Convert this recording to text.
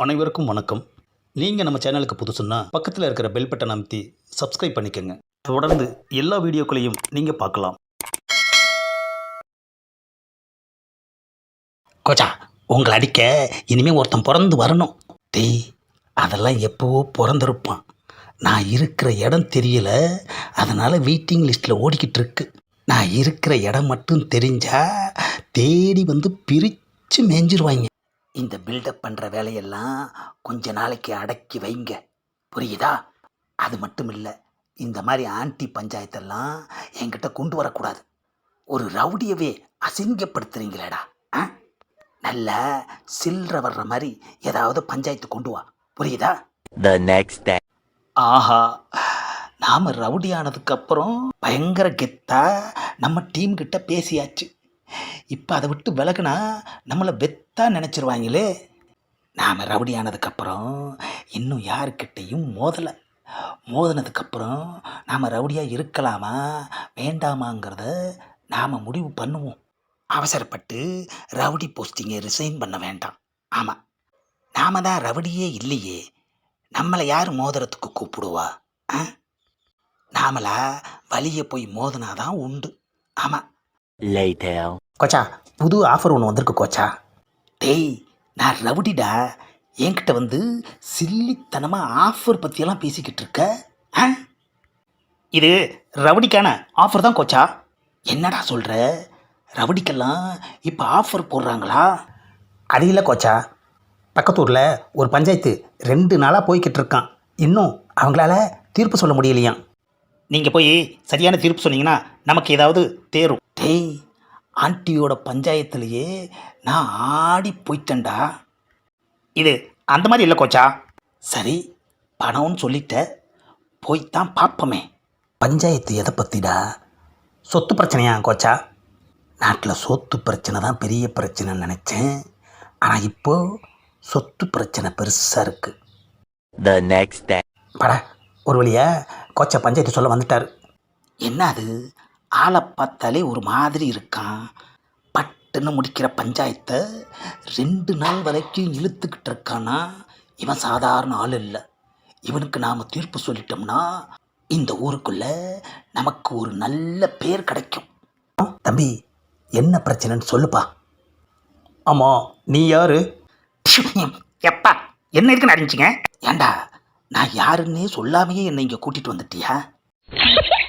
அனைவருக்கும் வணக்கம். நீங்கள் நம்ம சேனலுக்கு புதுசுன்னா பக்கத்தில் இருக்கிற பெல் பட்டன் அமைத்தி சப்ஸ்கிரைப் பண்ணிக்கோங்க. தொடர்ந்து எல்லா வீடியோக்களையும் நீங்கள் பார்க்கலாம். கோச்சா, உங்களை அடிக்க இனிமேல் ஒருத்தன் பிறந்து வரணும். டேய், அதெல்லாம் எப்போவோ பிறந்திருப்பான். நான் இருக்கிற இடம் தெரியல, அதனால் வெயிட்டிங் லிஸ்ட்டில் ஓடிக்கிட்டு இருக்கு. நான் இருக்கிற இடம் மட்டும் தெரிஞ்சா தேடி வந்து பிரித்து மேய்ஞ்சிருவாங்க. இந்த பில்டப் பண்ணுற வேலையெல்லாம் கொஞ்ச நாளைக்கு அடக்கி வைங்க, புரியுதா? அது மட்டும் இல்லை, இந்த மாதிரி ஆன்டி பஞ்சாயத்தெல்லாம் என்கிட்ட கொண்டு வரக்கூடாது. ஒரு ரவுடியவே அசிங்கப்படுத்துறீங்களேடா. ஆ, நல்லா சில்லற வர்ற மாதிரி ஏதாவது பஞ்சாயத்து கொண்டு வா, புரியுதா? The next day. ஆஹா, நாம் ரவுடி ஆனதுக்கப்புறம் பயங்கர கெத்தா நம்ம டீம் கிட்ட பேசியாச்சு. இப்போ அதை விட்டு விலகுனா நம்மளை வெத்தா நினச்சிருவாங்களே. நாம் ரவுடி ஆனதுக்கப்புறம் இன்னும் யாருக்கிட்டையும் மோதினதுக்கப்புறம் நாம் ரவுடியாக இருக்கலாமா வேண்டாமாங்கிறத நாம் முடிவு பண்ணுவோம். அவசரப்பட்டு ரவுடி போஸ்டிங்கை ரிசைன் பண்ண வேண்டாம். ஆமாம், நாம் தான் ரவுடியே இல்லையே, நம்மளை யார் மோதிரத்துக்கு கூப்பிடுவா? நாமளா வழியை போய் மோதினாதான் உண்டு. ஆமாம். Later. கோச்சா, புது ஆஃபர் ஒன்று வந்திருக்கு கோச்சா. டேய், நான் ரவுடிடா, என்கிட்ட வந்து சில்லித்தனமாக ஆஃபர் பற்றியெல்லாம் பேசிக்கிட்டு இருக்க. ஆ, இது ரவுடிக்கான ஆஃபர் தான் கோச்சா. என்னடா சொல்கிற? ரவுடிக்கெல்லாம் இப்போ ஆஃபர் போடுறாங்களா? அது இல்லை கோச்சா, பக்கத்தூரில் ஒரு பஞ்சாயத்து 2 நாளாக போய்கிட்டு இருக்கான். இன்னும் அவங்களால தீர்ப்பு சொல்ல முடியலையாம். நீங்கள் போய் சரியான தீர்ப்பு சொன்னீங்கன்னா நமக்கு ஏதாவது தேரும். டேய், ஆண்டியோட பஞ்சாயத்துலேயே நான் ஆடி போயிட்டேன்டா. இது அந்த மாதிரி இல்லை கோச்சா. சரி, பணம்னு சொல்லிட்ட, போய்த்தான் பார்ப்போமே. பஞ்சாயத்து எதை பற்றிடா? சொத்து பிரச்சனையா கோச்சா? நாட்டில் சொத்து பிரச்சனை தான் பெரிய பிரச்சனைன்னு நினச்சேன். ஆனால் இப்போது சொத்து பிரச்சனை பெருசாக இருக்குது. The next day. பட, ஒரு வழியா கோச்சா பஞ்சாயத்து சொல்ல வந்துட்டார். என்ன அது, ஆளை பார்த்தாலே ஒரு மாதிரி இருக்கான். பட்டுன்னு முடிக்கிற பஞ்சாயத்தை 2 நாள் வரைக்கும் இழுத்துக்கிட்டு இருக்கானா? இவன் சாதாரண ஆள் இல்லை. இவனுக்கு நாம் தீர்ப்பு சொல்லிட்டோம்னா இந்த ஊருக்குள்ளே நமக்கு ஒரு நல்ல பேர் கிடைக்கும். தம்பி, என்ன பிரச்சனைன்னு சொல்லுப்பா. ஆமாம், நீ யாரு? எப்பா, என்ன இருக்குன்னு அறிஞ்சிங்க? ஏண்டா, நான் யாருன்னே சொல்லாமையே என்னை இங்கே கூட்டிகிட்டு வந்துட்டியா?